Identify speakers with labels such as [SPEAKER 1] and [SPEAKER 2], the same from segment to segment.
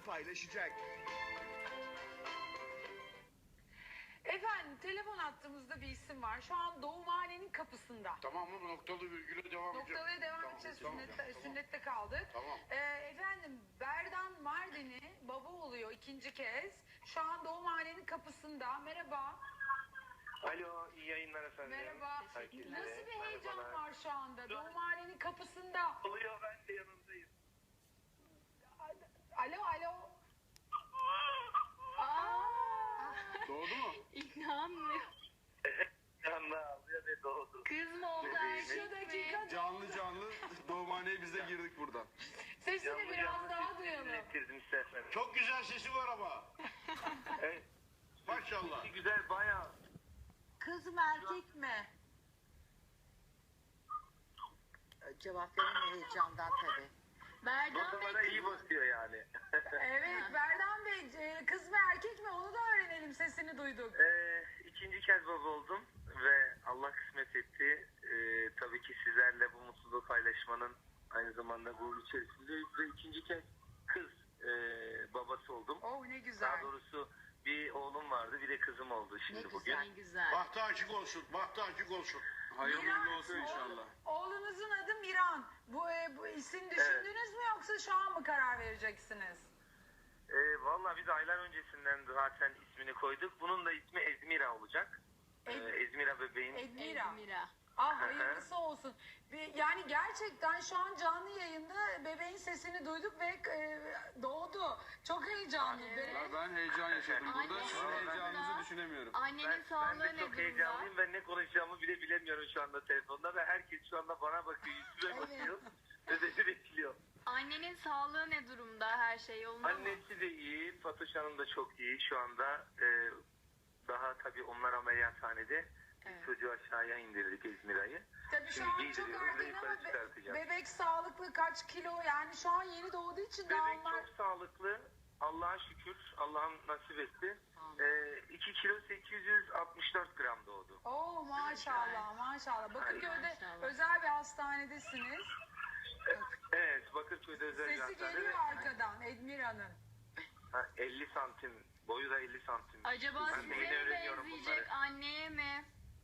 [SPEAKER 1] paylaşacak.
[SPEAKER 2] Efendim telefon attığımızda bir isim var. Şu an doğumhanenin kapısında.
[SPEAKER 3] Tamam mı? Noktalı virgüle devam edeceğim.
[SPEAKER 2] Noktalıya devam
[SPEAKER 3] Tamam,
[SPEAKER 2] edeceğiz.
[SPEAKER 3] tamam,
[SPEAKER 2] Sünnette kaldık.
[SPEAKER 3] Tamam.
[SPEAKER 2] Efendim Berdan Mardin'i baba oluyor ikinci kez. Şu an doğumhanenin kapısında. Merhaba.
[SPEAKER 4] Alo, iyi yayınlar efendim.
[SPEAKER 2] Merhaba.
[SPEAKER 4] Herkese.
[SPEAKER 2] Nasıl bir heyecan
[SPEAKER 4] Merhabalar.
[SPEAKER 2] var şu anda? Doğumhanenin kapısında.
[SPEAKER 4] Oluyor, ben de yanındayım.
[SPEAKER 2] Alo alo. Aa!
[SPEAKER 3] Doğdu mu?
[SPEAKER 5] İnanmıyorum.
[SPEAKER 4] Yanına ağlıyor ve doğdu.
[SPEAKER 5] Kız mı oldu
[SPEAKER 2] Şu dakika
[SPEAKER 3] Canlı canlı doğumhaneye biz de girdik buradan.
[SPEAKER 2] sesini biraz daha duyalım.
[SPEAKER 4] Dinlettirdim size efendim.
[SPEAKER 3] Çok güzel sesi var ama.
[SPEAKER 4] Evet.
[SPEAKER 3] Maşallah.
[SPEAKER 4] Güzel, bayağı.
[SPEAKER 6] Kız mı erkek mi? Cevap veremiyor heyecandan tabii.
[SPEAKER 5] Berdan
[SPEAKER 4] Notalara
[SPEAKER 5] Bey
[SPEAKER 4] iyi basıyor yani.
[SPEAKER 2] Evet Berdan Bey kız mı erkek mi onu da öğrenelim sesini duyduk.
[SPEAKER 4] İkinci kez baba oldum ve Allah kısmet etti. Tabii ki sizlerle bu mutluluğu paylaşmanın aynı zamanda gurur içerisindeyiz ve ikinci kez kız babası oldum.
[SPEAKER 2] Oh ne güzel.
[SPEAKER 4] Daha doğrusu bir oğlum vardı, bir de kızım oldu şimdi
[SPEAKER 5] ne
[SPEAKER 4] bugün.
[SPEAKER 5] güzel güzel.
[SPEAKER 3] Bahtı açık olsun. Bahtı açık olsun. Hayırlı
[SPEAKER 2] Miran,
[SPEAKER 3] olsun inşallah.
[SPEAKER 2] Oğlunuzun adı Miran. Bu isim düşündünüz mü yoksa şu an mı karar vereceksiniz?
[SPEAKER 4] Vallahi biz aylar öncesinden zaten ismini koyduk. Bunun da ismi Ezmira olacak. Ezmira bebeğin.
[SPEAKER 2] Edmira.
[SPEAKER 5] Edmira.
[SPEAKER 2] Ah hayırlısı olsun. Yani gerçekten şu an canlı yayında bebeğin sesini duyduk ve doğdu. Çok heyecanlı.
[SPEAKER 3] Ben heyecan yaşadım burada.
[SPEAKER 5] Anne,
[SPEAKER 3] Sizin
[SPEAKER 5] orada
[SPEAKER 3] heyecanınızı düşünemiyorum.
[SPEAKER 5] Annenin
[SPEAKER 4] Ben
[SPEAKER 5] sağlığı
[SPEAKER 4] de
[SPEAKER 5] ne
[SPEAKER 4] çok
[SPEAKER 5] durumda?
[SPEAKER 4] heyecanlıyım. Ben ne konuşacağımı bile bilemiyorum şu anda telefonda ve herkes şu anda bana bakıyor, yüzüme bakıyor ve beni bekliyor.
[SPEAKER 5] Annenin sağlığı ne durumda? Her şey yolunda mı?
[SPEAKER 4] Annesi de iyi, Fatoş Hanım da çok iyi. Şu anda daha tabii onlar ameliyathanede.
[SPEAKER 5] Evet.
[SPEAKER 4] Çocuğu aşağıya indirdik Ezmira'yı.
[SPEAKER 2] Tabii şu
[SPEAKER 4] Şimdi
[SPEAKER 2] an çok
[SPEAKER 4] giydiriyoruz ve
[SPEAKER 2] erken
[SPEAKER 4] yukarı
[SPEAKER 2] ama
[SPEAKER 4] çıkartacağız.
[SPEAKER 2] bebek sağlıklı kaç kilo yani şu an yeni doğduğu için daha
[SPEAKER 4] Bebek
[SPEAKER 2] onlar...
[SPEAKER 4] çok sağlıklı. Allah'a şükür. Allah'ım nasip etti. 2 kilo 864 gram doğdu.
[SPEAKER 2] Oo maşallah maşallah. Bakırköy'de
[SPEAKER 5] Maşallah.
[SPEAKER 2] özel bir hastanedesiniz.
[SPEAKER 4] Evet, Bakırköy'de özel bir
[SPEAKER 2] Sesi
[SPEAKER 4] hastanede.
[SPEAKER 2] geliyor arkadan Edmira'nın.
[SPEAKER 4] 50 santim. Boyu da 50 santim.
[SPEAKER 5] Acaba
[SPEAKER 4] Ben de
[SPEAKER 5] size
[SPEAKER 4] yeni
[SPEAKER 5] mi
[SPEAKER 4] öğreniyorum
[SPEAKER 5] benzeyecek,
[SPEAKER 4] bunları.
[SPEAKER 5] anneye mi?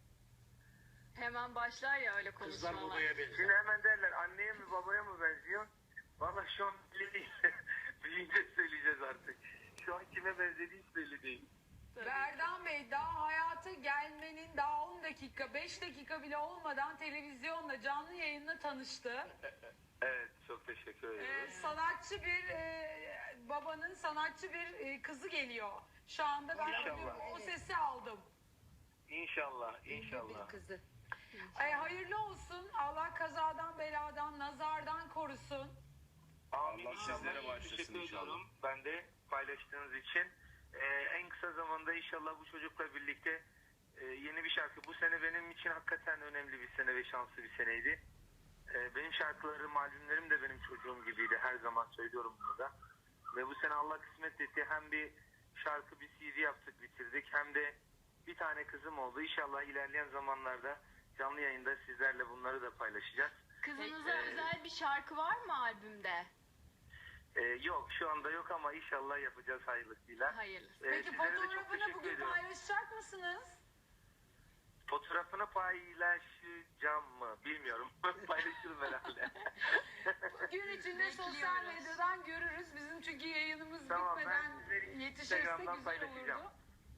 [SPEAKER 5] Hemen başlar ya öyle
[SPEAKER 3] Kızlar
[SPEAKER 5] konuşmalar.
[SPEAKER 3] babaya benziyor.
[SPEAKER 4] Şimdi hemen derler anneye mi babaya mı benziyor? Valla şu an belli değil. Büyüyünce söyleyeceğiz artık. Şu an kime benzediği hiç belli değil.
[SPEAKER 2] Berdan Bey daha hayata gelmenin daha 10 dakika 5 dakika bile olmadan televizyonla canlı yayınla tanıştı.
[SPEAKER 4] Evet, çok teşekkür ederim.
[SPEAKER 2] Sanatçı bir babanın sanatçı bir kızı geliyor. Şu anda ben
[SPEAKER 4] İnşallah.
[SPEAKER 2] o sesi aldım.
[SPEAKER 4] İnşallah, inşallah.
[SPEAKER 6] Kızı.
[SPEAKER 2] Hayırlı olsun. Allah kazadan, beladan, nazardan korusun.
[SPEAKER 4] Amin.
[SPEAKER 3] Allah
[SPEAKER 4] İnşallah.
[SPEAKER 3] sizlere başlasın
[SPEAKER 4] Teşekkür
[SPEAKER 3] inşallah.
[SPEAKER 4] ediyorum. Ben de paylaştığınız için. En kısa zamanda inşallah bu çocukla birlikte yeni bir şarkı. Bu sene benim için hakikaten önemli bir sene ve şanslı bir seneydi. Benim şarkılarım, albümlerim de benim çocuğum gibiydi. Her zaman söylüyorum bunu da. Ve bu sene Allah kısmet etti. Hem bir şarkı, bir CD yaptık, bitirdik. Hem de bir tane kızım oldu. İnşallah ilerleyen zamanlarda canlı yayında sizlerle bunları da paylaşacağız.
[SPEAKER 5] Kızınıza özel bir şarkı var mı albümde?
[SPEAKER 4] Yok, şu anda yok ama inşallah yapacağız hayırlısıyla.
[SPEAKER 5] Hayırlısı.
[SPEAKER 2] Peki
[SPEAKER 4] Sizlere de çok
[SPEAKER 2] fotoğrafını
[SPEAKER 4] teşekkür
[SPEAKER 2] bugün
[SPEAKER 4] ediyorum.
[SPEAKER 2] paylaşacak mısınız?
[SPEAKER 4] Fotoğrafını paylaşacağım mı bilmiyorum. Paylaşırım herhalde.
[SPEAKER 2] Gün içinde sosyal
[SPEAKER 5] Bekliyoruz.
[SPEAKER 2] medyadan görürüz. Bizim çünkü yayınımız
[SPEAKER 4] Tamam, ben
[SPEAKER 2] bitmeden
[SPEAKER 4] sizleri
[SPEAKER 2] yetişirse
[SPEAKER 4] Instagram'dan
[SPEAKER 2] güzel
[SPEAKER 4] paylaşacağım.
[SPEAKER 2] olurdu.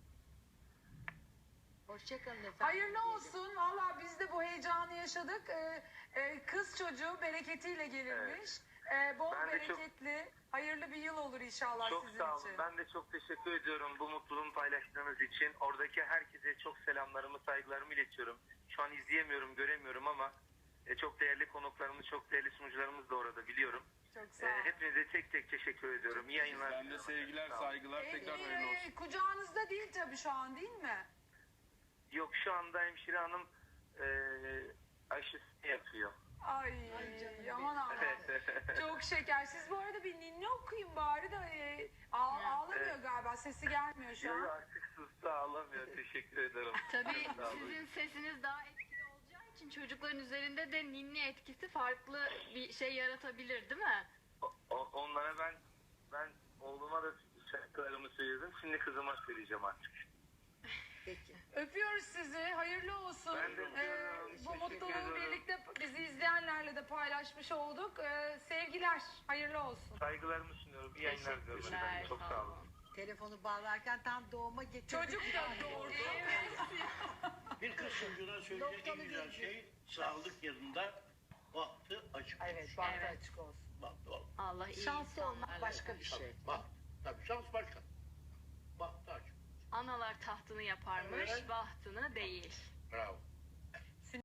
[SPEAKER 6] Hoşçakalın efendim.
[SPEAKER 2] Hayırlı olsun. Valla biz de bu heyecanı yaşadık. Kız çocuğu bereketiyle gelirmiş. Bol
[SPEAKER 4] Ben de çok-
[SPEAKER 2] bereketli, hayırlı bir yıl olur inşallah
[SPEAKER 4] Çok
[SPEAKER 2] sizin
[SPEAKER 4] sağ olun.
[SPEAKER 2] için.
[SPEAKER 4] Ben de çok teşekkür ediyorum bu mutluluğumu paylaştığınız için. Oradaki herkese çok selamlarımı, saygılarımı iletiyorum. Şu an izleyemiyorum, göremiyorum ama çok değerli konuklarımız, çok değerli sunucularımız da orada biliyorum.
[SPEAKER 2] Çok sağ olun.
[SPEAKER 4] Hepinize tek tek teşekkür ediyorum. İyi yayınlar.
[SPEAKER 3] Ben de sevgiler, saygılar. Tekrar hayırlı olsun.
[SPEAKER 2] Kucağınızda değil tabii şu an değil mi?
[SPEAKER 4] Yok, şu anda hemşire hanım aşısını yapıyor.
[SPEAKER 2] Ay aman Allah. Çok şeker. Siz bu arada bir ninni okuyun bari da ağlamıyor galiba. Sesi gelmiyor şu
[SPEAKER 4] Yok,
[SPEAKER 2] an.
[SPEAKER 4] artık sustu, ağlamıyor. Teşekkür ederim.
[SPEAKER 5] Tabii
[SPEAKER 4] Çok sağ olun.
[SPEAKER 5] sizin sesiniz daha etkili olacağı için çocukların üzerinde de ninni etkisi farklı bir şey yaratabilir değil mi?
[SPEAKER 4] Onlara ben Oğluma da şarkılarımı söyledim. Şimdi kızıma söyleyeceğim artık.
[SPEAKER 6] Peki.
[SPEAKER 2] Öpüyoruz sizi. Hayırlı olsun.
[SPEAKER 4] Ben de öpüyorum.
[SPEAKER 2] Bu
[SPEAKER 4] Teşekkür
[SPEAKER 2] mutluluğu
[SPEAKER 4] ederim.
[SPEAKER 2] birlikte bizi izleyenlerle de paylaşmış olduk. Sevgiler. Hayırlı olsun.
[SPEAKER 4] Saygılarımı sunuyorum. İyi yayınlar diliyorum. efendim. Çok sağ olun.
[SPEAKER 6] Telefonu bağlarken tam doğuma getirdik.
[SPEAKER 2] Çocuk da doğurdu.
[SPEAKER 1] Bir kız çocuğuna söyleyecek en güzel şey sağlık yanında bahtı açık.
[SPEAKER 6] Evet, bahtı
[SPEAKER 5] Evet.
[SPEAKER 6] açık olsun.
[SPEAKER 1] Bahtı ol.
[SPEAKER 5] Allah iyi
[SPEAKER 6] Şanslı olmak
[SPEAKER 5] insanlarla
[SPEAKER 6] başka bir şey.
[SPEAKER 1] Tabii, baht. Tabii şans başka. Bahtı açık.
[SPEAKER 5] Analar tahtını yaparmış,
[SPEAKER 1] Evet.
[SPEAKER 5] bahtını değil.
[SPEAKER 1] Bravo.